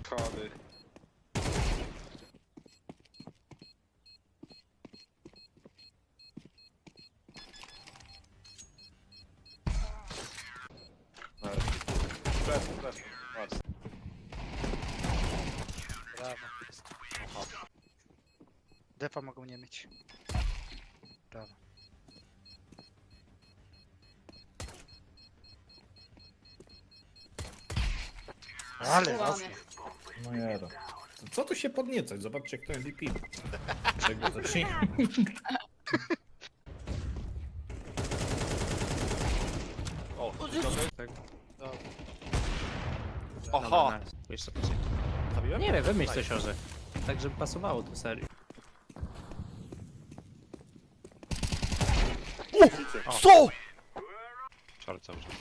schody. Flash. Brawo. Defa mogą nie mieć. Brawo. Ale ładnie. No jada. Co tu się podniecać? Zobaczcie, kto MVP. Czego zacznij? O, Tak. Aha! Jeszcze coś. Zabiłem? Nie wiem, wymyśl coś orze. Tak, żeby pasowało do serii. Co?! Short cały czas.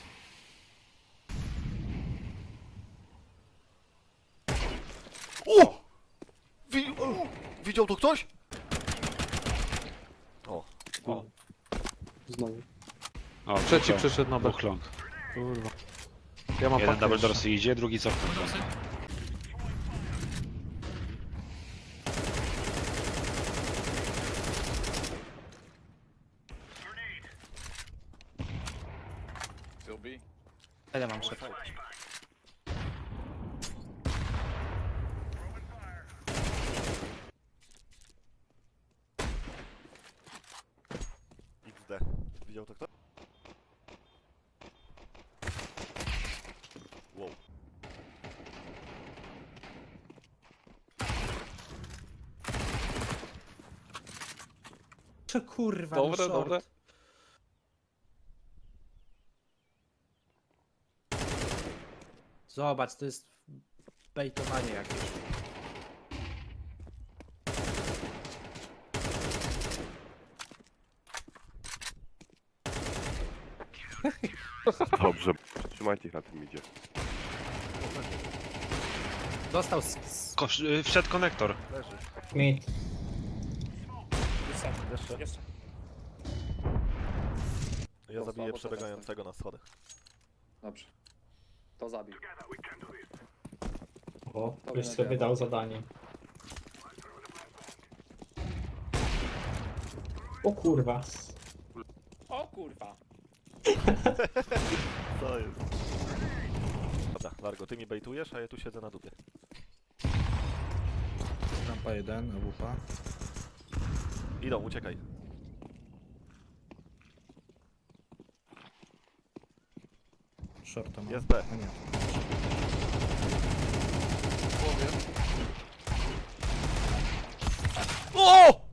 O! Widział to ktoś? O. Znowu. O, Trzeci przyszedł na B. Dwóch long. Kurwa. Ja mam Jeden pakę double jeszcze. dorsy idzie, drugi cofnął. Still B? Ile mam szef? XD. Widział to kto? Wow. Co kurwa, Dobre, no short. dobre. Zobacz, to jest bejtowanie jakieś. Dobrze, trzymajcie ich na tym idzie. Dostał z... Wszedł konektor. Leży. Mid. Jeszcze. Ja zabiję przebiegającego na schodach. Dobrze. To zabił. O, już sobie dał zadanie. O kurwa. O kurwa. Co jest? Dobra, Largo, ty mi bejtujesz, a ja tu siedzę na dupie. Rampa 1, AWP. Idą, uciekaj. Shorta ma. Jest B. A nie. O!